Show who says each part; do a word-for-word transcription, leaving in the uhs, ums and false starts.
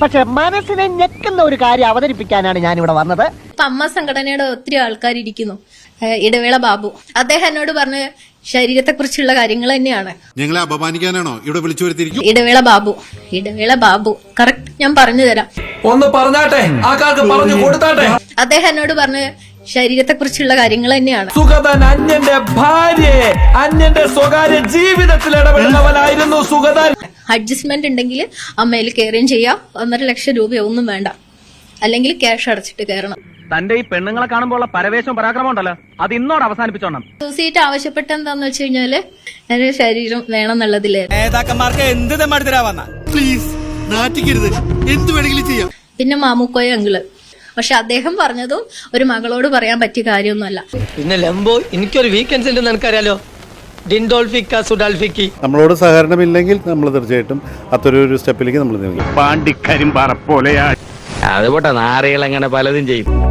Speaker 1: പക്ഷെ മനസ്സിനെ ഞെക്കുന്ന ഒരു കാര്യം അവതരിപ്പിക്കാനാണ് ഞാൻ ഇവിടെ വന്നത്.
Speaker 2: ഇപ്പൊ അമ്മ സംഘടനയുടെ ഒത്തിരി ആൾക്കാർ ഇരിക്കുന്നു. ഇടവേള ബാബു അദ്ദേഹം എന്നോട് പറഞ്ഞ ശരീരത്തെ കുറിച്ചുള്ള കാര്യങ്ങൾ തന്നെയാണ്.
Speaker 3: ഞങ്ങളെ അപമാനിക്കാനാണോ ഇവിടെ വിളിച്ചു വരുത്തിയിരിക്കും?
Speaker 2: ഇടവേള ബാബു ഇടവേള ബാബു കറക്റ്റ് ഞാൻ പറഞ്ഞു തരാം.
Speaker 4: ഒന്ന് പറഞ്ഞാട്ടെ, ആൾക്കാർക്ക് പറഞ്ഞു കൊടുത്താട്ടെ.
Speaker 2: അദ്ദേഹം എന്നോട് പറഞ്ഞ ശരീരത്തെ കുറിച്ചുള്ള കാര്യങ്ങൾ തന്നെയാണ്.
Speaker 4: സുഗതൻ അന്യന്റെ ഭാര്യയെ അന്യന്റെ സ്വകാര്യ ജീവിതത്തിൽ ഇടപെടുന്നവനായിരുന്നു സുഗതൻ.
Speaker 2: അഡ്ജസ്റ്റ്മെന്റ് ഉണ്ടെങ്കിൽ അമ്മയിൽ കയറുകയും ചെയ്യാം. ഒന്നര ലക്ഷം രൂപയോ ഒന്നും വേണ്ട, അല്ലെങ്കിൽ ക്യാഷ് അടച്ചിട്ട് കയറണം.
Speaker 5: തന്റെ ഈ പെണ്ണുങ്ങളെ കാണുമ്പോൾ പരവേശം പരാക്രമം ഉണ്ടല്ലോ, അത് ഇന്നോട് അവസാനിപ്പിച്ചോണം.
Speaker 2: സൂസൈറ്റ് ആവശ്യപ്പെട്ട എന്താന്ന് വെച്ച് കഴിഞ്ഞാല് എന്റെ ശരീരം വേണം എന്നുള്ളതില്
Speaker 6: നേതാക്കന്മാർക്ക് എന്ത് തെമ്മാടിത്തരാവന്ന
Speaker 3: പ്ലീസ് നാറ്റിക്കരുത്, എന്ത് വേണമെങ്കിലും ചെയ്യാം.
Speaker 2: പിന്നെ മാമുക്കോയ അങ്കിള്, പക്ഷെ അദ്ദേഹം പറഞ്ഞതും ഒരു മകളോട് പറയാൻ പറ്റിയ കാര്യമൊന്നുമല്ല.
Speaker 7: പിന്നെ ലംബോ എനിക്കൊരു വീക്കെൻഡ്സ് ഉണ്ടെന്ന് എനിക്കറിയാലോ. ഡിൻഡോൾഫിക്ക സുഡാൽഫിക്കി
Speaker 8: നമ്മളോട് സഹകരണമില്ലെങ്കിൽ നമ്മൾ തീർച്ചയായിട്ടും അത്തരൊരു സ്റ്റെപ്പിലേക്ക് നമ്മൾ നീങ്ങും.
Speaker 5: പാണ്ടിക്കരിമ്പാറ പോലെയാ
Speaker 7: അതുപോട്ടെ, നാറികൾ അങ്ങനെ പലതും ചെയ്യും.